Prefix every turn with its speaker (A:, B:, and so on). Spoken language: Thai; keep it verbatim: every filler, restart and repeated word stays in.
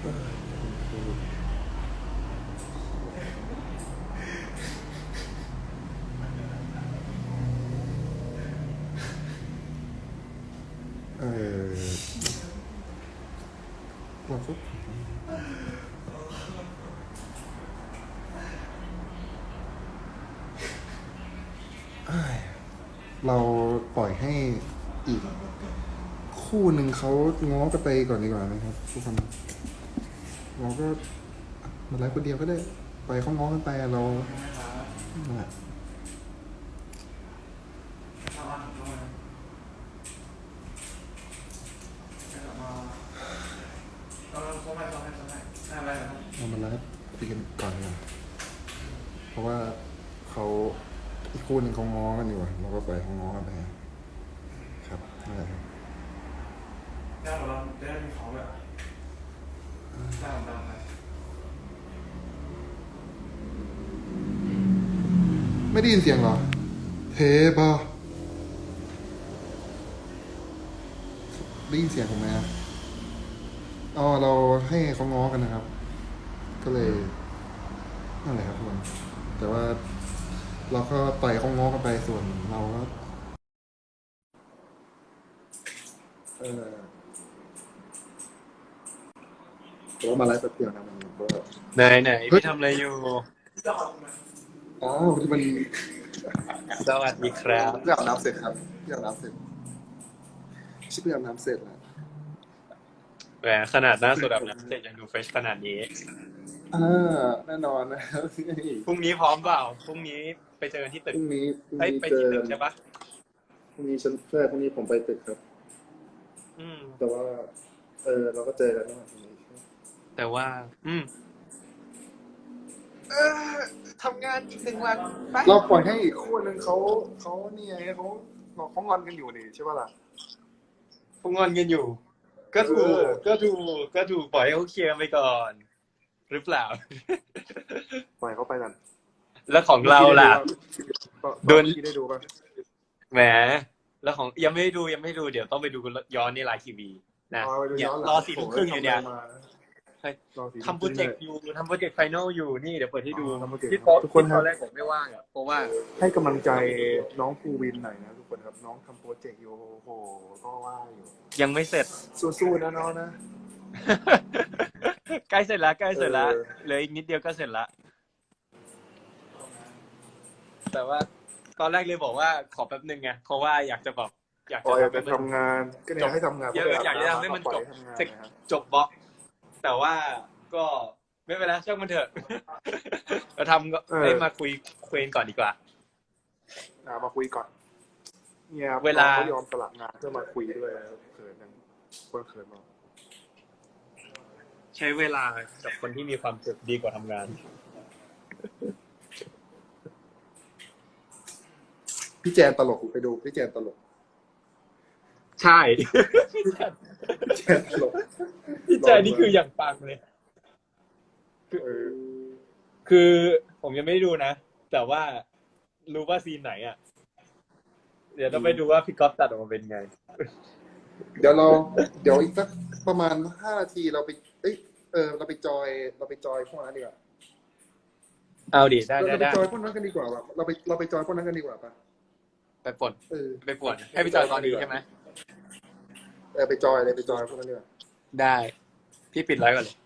A: เออเราก็เราปล่อยให้อีกคู่หนึ่งเขาง้อกันไปก่อนดีกว่านะครับทุกคนเราก็มาไลฟ์คนเดียวก็ได้ปล่อยเขาง้อกันไปเรานั่นแหละเรามาไลฟ์คุยกันก่อนดีกว่าเพราะว่าเขาอีกคู่หนึ่งเขาง้อกันอยู่อะเราก็ปล่อยเขาง้อกันไปครับนั่นแหละครับ
B: ได้ของเราได้มีของแบบได้ของเราไหม
A: ไม่ได้ยินเสียงเหรอเทปะได้ยินเสียงผมไหมครับอ๋อเราให้เขาง้อกันนะครับก็เลยนั่นแหละครับทุกคนแต่ว่าเราก็ปล่อยเขาง้อกันไปส่วนเราก็เออแต่ว่ามาไลฟ์แป๊บเดียวนะมันก็
C: ไหนไหนพี่ทำอะไรอยู่
A: อ๋อที่มัน
C: สวัสดีครับ
A: เพื่ออาบน้ำเสร็จครับเพื่ออาบน้ำเสร็จชิบเพื่ออาบน้ำเสร็จแล้ว
C: แหมขนาดหน้าสดแบบน้ำเสร็จยังดูเฟรชขนาดนี้
A: อ่าแน่นอนนะครับ
C: พรุ่งนี้พร้อมเปล่าพรุ่งนี้ไปเจอกันที่ตึก
A: พรุ่งนี้พรุ่ง
C: เฮ้ย
A: นี้
C: ไป
A: เจอ
C: ที่ตึกใช่ปะ
A: พรุ่งนี้ฉันใช่พรุ่งนี้ผมไปตึกครับ
C: อืม
A: แต่ว่าเออเราก็เจอกันนะพรุ่งนี้
C: แต่ว่า อืมเออทำงานอีกหนึ่งวันไป
A: เราปล่อยให้อีกคู่หนึ่งเขาเขานี่ไงเขาเขางอนกันอยู่นี่ใช่ป่ะล่ะ
C: พวกงอนกันอยู่ ก็ถูกก็ถูกก็ถูกปล่อยให้เขาเคลียร์ไปก่อนหรือเปล่า
A: ปล่อยเขาไปกัน
C: แล้วของเราล่ะ
A: โดนที่ได้ดูป่ะ
C: แหมแล้วของยังไม่ได้ดูยังไม่ได้ดูเดี๋ยวต้องไปดูย้อนในไลน์ทีวีนะเนี่ยรอสี่ทุ่มครึ่งอยู่เนี่ยทำโปรเจกต์อยู่ทำโปรเจกต์ไฟนอลอยู่นี่เดี๋ยวเปิดให้ดูที่โต๊ะทุกคนตอนแรกผมไม่ว่างอ่ะเพราะว่า
A: ให้กำลังใจน้องภูวินหน่อยนะทุกคนครับน้องทำโปรเจกต์อยู่โอ้โหก็ว่าอยู่
C: ยังไม่เสร็จ
A: สู้ๆนะน้องนะ
C: ใกล้เสร็จแล้วใกล้เสร็จแล้วเหลืออีกนิดเดียวก็เสร็จแล้วแต่ว่าตอนแรกเลยบอกว่าขอแป๊บนึงไงเพราะว่าอยากจะบอก
A: อยากจะทำงานก็อยากให้ทำงาน
C: อยากจะทำให้มันจบจบบล็อกแต่ว่าก็ไม่เป็นไรช่างมันเถอะเราทำก็ให้มาคุยคุยก่อนดีกว่า
A: มาคุยก่อนเนี่ย
C: เวลา
A: เขายอมสลับงานเพื่อมาคุยด้วยเขินยังคนเขินมาก
C: ใช้เวลากับคนที่มีความสุขดีกว่าทำงาน
A: พี่แจนตลกไปดูพี่แจนตลก
C: ใช่
A: พี่แจนตลก
C: พี่แจนนี่คืออย่างปังเลยคือคือผมยังไม่ได้ดูนะแต่ว่ารู้ว่าซีนไหนอ่ะเดี๋ยวต้องไปดูว่าพี่ก๊อฟตัดออกมาเป็นไง
A: เดี๋ยวเราเดี๋ยวอีกสักประมาณห้านาทีเราไปเอ้ยเออเราไปจอยเราไปจอยพวกนั้นดีกว่า
C: เอาดิได้ได้
A: เราไปจอยพวกนั้นกันดีกว่าเราไปเราไปจอยพวกนั้นกันดีกว่าป่ะ
C: ไปปวดไปปวดให้ไปจอยตอนนี้ใช่ไหม
A: เออไปจอยเลยไปจอยพวกนั้นดีกว่า
C: ได้พี่ปิดไลฟ์ก่อนเลย